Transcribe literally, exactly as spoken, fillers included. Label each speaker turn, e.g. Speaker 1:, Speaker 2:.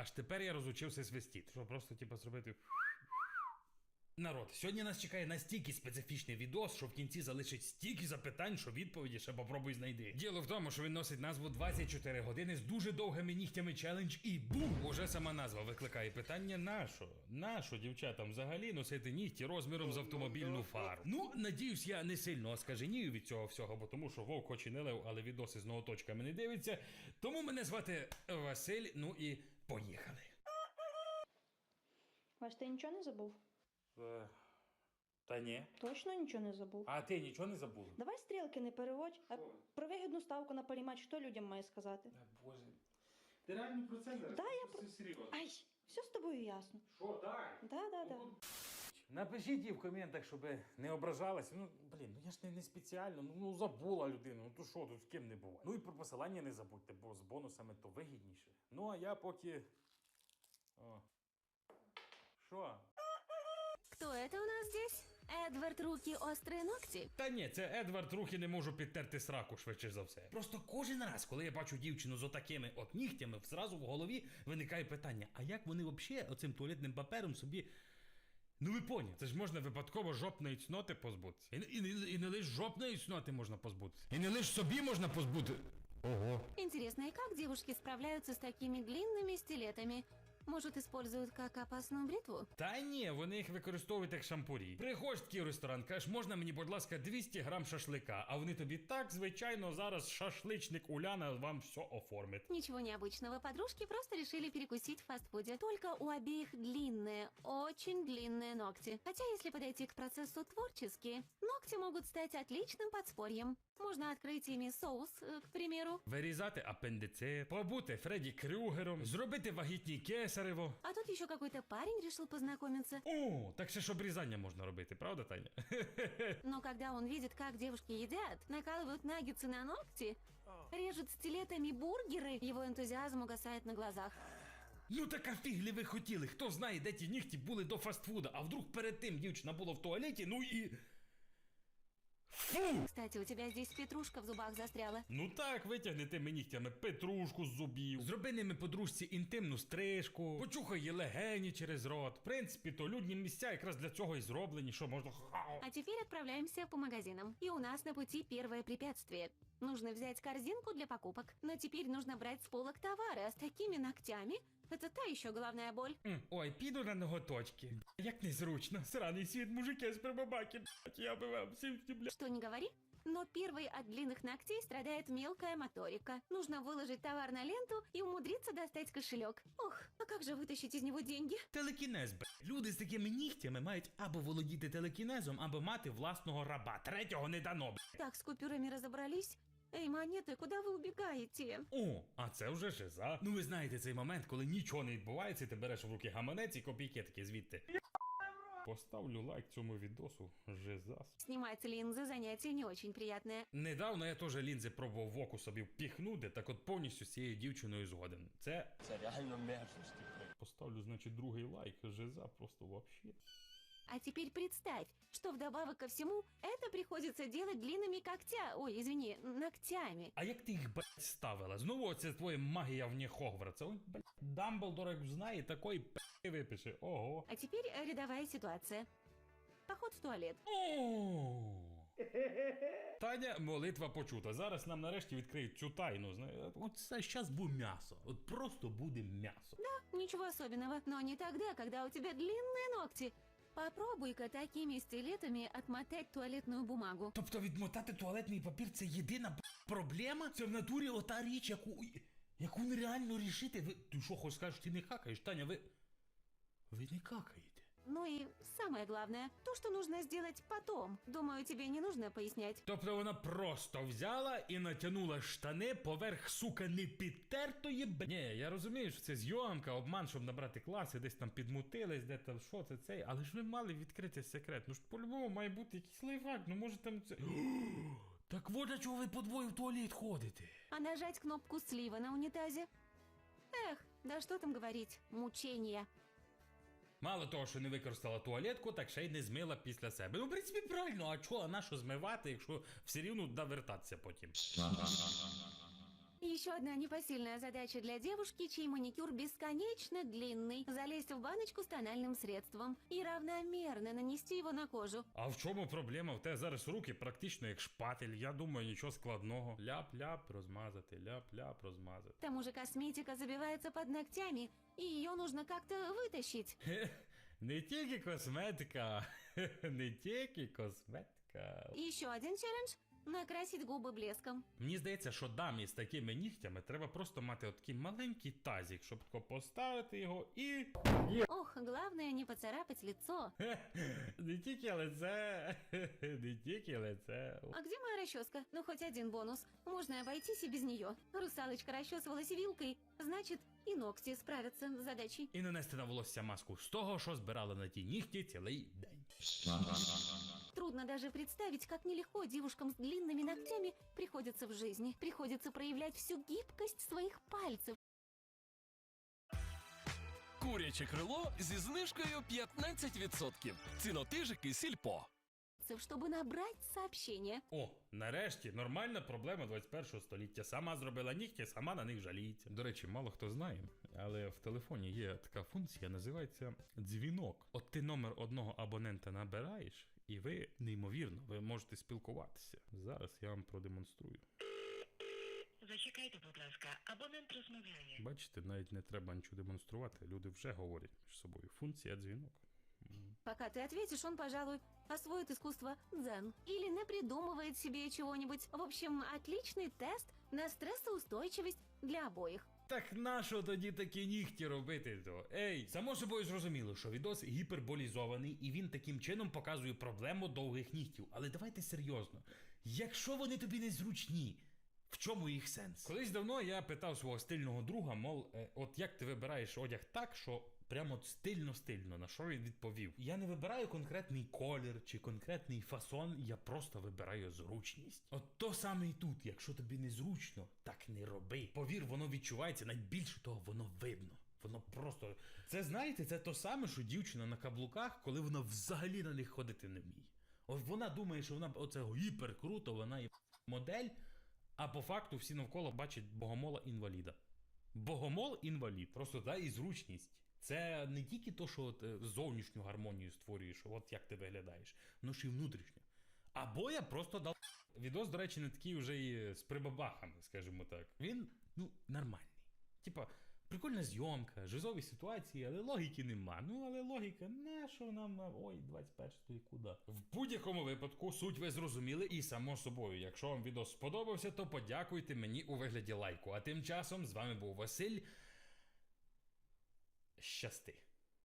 Speaker 1: аж тепер я розучився свистіти. Що просто, типу, зробити... Народ, сьогодні нас чекає настільки специфічний відос, що в кінці залишить стільки запитань, що відповіді ще попробуй знайди. Діло в тому, що він носить назву двадцять чотири години з дуже довгими нігтями челендж і бум! Уже сама назва викликає питання нащо? Нащо дівчатам взагалі носити нігті розміром з автомобільну фару? Ну, надіюсь, я не сильно оскаженію від цього всього, бо тому що вовк хоч і не лев, але відоси з ноготочками не дивиться. Тому мене звати Василь, ну і поїхали.
Speaker 2: Вась, ти нічого не забув?
Speaker 1: Е, Та ні.
Speaker 2: Точно нічого не забув?
Speaker 1: А ти нічого не забув?
Speaker 2: Давай стрілки не переводь, а про вигідну ставку на паріматч що людям має сказати?
Speaker 1: Та боже. Ти реально про це зараз?
Speaker 2: Да, я
Speaker 1: Це
Speaker 2: про...
Speaker 1: серйозно.
Speaker 2: Ай, все з тобою ясно.
Speaker 1: Що, дай?
Speaker 2: Да, да, да.
Speaker 1: Напишіть їй в коментах, щоб не ображалася. Ну, блін, ну я ж не, не спеціально, ну, ну забула людину, ну то що, тут з ким не буває. Ну і про посилання не забудьте, бо з бонусами то вигідніше. Ну, а я поки... О. Що?
Speaker 3: Кто это у нас здесь? Эдвард Руки Острые Ногти?
Speaker 1: Та ні, це Едвард рухи не можу підтерти сраку, швидше за все. Просто кожен раз, коли я бачу дівчину з отакими от нігтями, зразу в голові виникає питання, а як вони взагалі оцим туалетним папером собі... Ну ви поняли, це ж можна випадково жопної цноти позбутися. І, і, і, і не лише жопної цноти можна позбутися. І не лише собі можна позбути. Ого.
Speaker 3: Интересно, и как девушки справляются с такими длинными стилетами? Может, используют как опасную бритву?
Speaker 1: Та ні, вони їх використовують як шампурі. Приходь в такий ресторан, кажеш, можна мені, будь ласка, двісті грам шашлика, а вони тобі так, звичайно, зараз шашличник Уляна вам все оформить.
Speaker 3: Ничего необычного, подружки просто решили перекусить в фастфуде. Только у обеих длинные, очень длинные ногти. Хотя, если подойти к процессу творчески, ногти могут стать отличным подспорьем. Можно открыть ими соус, э, к примеру.
Speaker 1: Вирізати апендицит, побути Фредді Крюгером, зробити вагітні кесарево.
Speaker 3: А тут еще какой-то парень решил познакомиться.
Speaker 1: О, так ще ж обрізання можна робити, правда, Таня?
Speaker 3: Но когда он видит, как девушки едят, накалывают наггетсы на ногти, режут стилетами бургеры, его энтузиазм угасает на глазах.
Speaker 1: Ну так а фіглі ви хотіли, хто знає, де ті нігті були до фастфуда, а вдруг перед тим дівчина була в туалеті, ну і... Фу!
Speaker 3: Кстати, у тебя здесь петрушка в зубах застряла.
Speaker 1: Ну так, витягни тими нігтями петрушку з зубів, зроби ними подружці інтимну стрижку, почухай її легені через рот. В принципі, то людні місця якраз для цього і зроблені, що можна...
Speaker 3: А теперь отправляемся по магазинам. И у нас на пути первое препятствие. Нужно взять корзинку для покупок. Но теперь нужно брать с полок товары, а с такими ногтями это та еще головная боль.
Speaker 1: М, Ой, піду на ноготочки. Як незручно. Сраний світ, мужики з прибабаки, блядь, я би вам всім, блядь.
Speaker 3: Что не говори, но первой от длинных ногтей страдает мелкая моторика. Нужно выложить товар на ленту и умудриться достать кошелек. Ох, а как же вытащить из него деньги?
Speaker 1: Телекінез, б***. Люди з такими нігтями мають або володіти телекінезом, або мати власного раба. Третього не дано, б***.
Speaker 3: Так, с купюрами разобрались. Эй, монеты, куда вы убегаете?
Speaker 1: О, а це вже жиза. Ну ви знаєте цей момент, коли нічого не відбувається, ти береш в руки гаманець і копійки такі звідти. Поставлю лайк цьому відосу, жизас.
Speaker 3: Снимать линзы занятие не очень приятное.
Speaker 1: Недавно я теж лінзи пробував в оку собі впіхнути, так от повністю з цією дівчиною згоден. Це...
Speaker 4: Це реально мерзості.
Speaker 1: Поставлю, значить, другий лайк, жиза просто вообще.
Speaker 3: А теперь представь, что вдобавок ко всему, это приходится делать длинными когтя... Ой, извини, ногтями.
Speaker 1: А як ти їх, блядь, ставила? Знову оце твоя магія вне Хогвартса. Ой, блядь, Дамблдор, як знає, такої п***и випише. Ого.
Speaker 3: А теперь э, рядовая ситуация. Поход в туалет.
Speaker 1: О! Таня, молитва почута. Зараз нам нарешті відкриють цю тайну. Знає, от це щас буде м'ясо. От просто буде м'ясо.
Speaker 3: Ничего особенного, но не тогда, когда у тебя длинные ногти. Попробуй-ка такими стилетами отмотать туалетную бумагу.
Speaker 1: Тобто відмотати туалетний папір це єдина б**, проблема? Це в натурі ота річ, яку, яку нереально рішити. Ви, ти що, хоч скажеш, ти не какаєш, Таня, ви... Ви не какаєте.
Speaker 3: Ну и самое главное, то, что нужно сделать потом. Думаю, тебе не нужно пояснять.
Speaker 1: Тобто вона просто взяла і натягнула штани поверх, сука, не підтертої б... Ні, я розумію, що це зйомка, обман, щоб набрати класи, десь там підмутились, де там, що це, цей, але ж ви мали відкрити секрет. Ну ж по-любому має бути якийсь лайфхак, ну може там це... Так вот для чого ви по двоє в туалет ходите?
Speaker 3: А нажать кнопку слива на унитазе? Эх, да что там говорить, мучение.
Speaker 1: Мало того, що не використала туалетку, так ще й не змила після себе. Ну, в принципі, правильно, а чого, а на що змивати, якщо все рівно довертатися потім?
Speaker 3: Еще одна непосильная задача для девушки, чей маникюр бесконечно длинный. Залезть в баночку с тональным средством и равномерно нанести его на кожу.
Speaker 1: А в чому проблема? В тебе зараз руки практично як шпатель. Я думаю, нічого складного. Ляп-ляп розмазати, ляп-ляп розмазати.
Speaker 3: К тому же косметика забивается под ногтями, и ее нужно как-то вытащить.
Speaker 1: Хе, не тільки косметика, не тільки косметика.
Speaker 3: Еще один челлендж – накрасить губы блеском.
Speaker 1: Мені здається, що дамі з такими нігтями треба просто мати такий маленький тазик, щоб тако поставити його і...
Speaker 3: Ох, главное не поцарапать лицо.
Speaker 1: Хе, не тільки лице, не тільки лице.
Speaker 3: А где моя расческа? Ну, хоть один бонус. Можно обойтись и без нее. Русалочка расчесывалась вилкой, значит, и ногти справятся с задачей.
Speaker 1: І нанести на волосся маску з того, що збирали на ті нігті цілий день.
Speaker 3: Трудно даже представить, как нелегко девушкам с длинными ногтями приходится в жизни. Приходится проявлять всю гибкость своих пальцев.
Speaker 4: Куряче крило зі знижкою п'ятнадцять відсотків. Цінотижики Сільпо.
Speaker 3: Чтобы набрать сообщение.
Speaker 1: О, нарешті, нормальна проблема двадцять першого століття. Сама зробила нігті, сама на них жаліється. До речі, мало хто знає, але в телефоні є така функція, називається дзвінок. От ти номер одного абонента набираєш, і ви, неймовірно, ви можете спілкуватися. Зараз я вам продемонструю.
Speaker 5: Зачекайте, будь ласка, абонент розмовляє.
Speaker 1: Бачите, навіть не треба нічого демонструвати, люди вже говорять між собою. Функція дзвінок. М.
Speaker 3: Пока ты ответишь, он, пожалуй, освоит искусство дзен. Или напридумывает себе чего-нибудь. В общем, отличный тест на стрессоустойчивость для обоих.
Speaker 1: Так нащо тоді такі нігті робити то? Ей, само собою зрозуміло, що відос гіперболізований і він таким чином показує проблему довгих нігтів. Але давайте серйозно. Якщо вони тобі незручні, в чому їх сенс? Колись давно я питав свого стильного друга, мов, е, от як ти вибираєш одяг так, що прямо от стильно-стильно, на що він відповів. Я не вибираю конкретний колір чи конкретний фасон, я просто вибираю зручність. От то саме і тут, якщо тобі незручно, так не роби. Повір, воно відчувається, навіть більше того, воно видно. Воно просто... Це, знаєте, це то саме, що дівчина на каблуках, коли вона взагалі на них ходити не вміє. От вона думає, що вона оце гіпер круто, вона є модель, а по факту всі навколо бачать богомола-інваліда. Богомол-інвалід. Просто та і зручність. Це не тільки то, що от, е, зовнішню гармонію створюєш, от як ти виглядаєш, ну ж і внутрішню. Або я просто дав... Відос, до речі, не такий вже і з прибабахами, скажімо так. Він, ну, нормальний. Типа, прикольна зйомка, жизові ситуації, але логіки нема. Ну, але логіка, на що нам, ой, двадцять перший куди? В будь-якому випадку суть ви зрозуміли і само собою. Якщо вам відос сподобався, то подякуйте мені у вигляді лайку. А тим часом з вами був Василь. Щасти.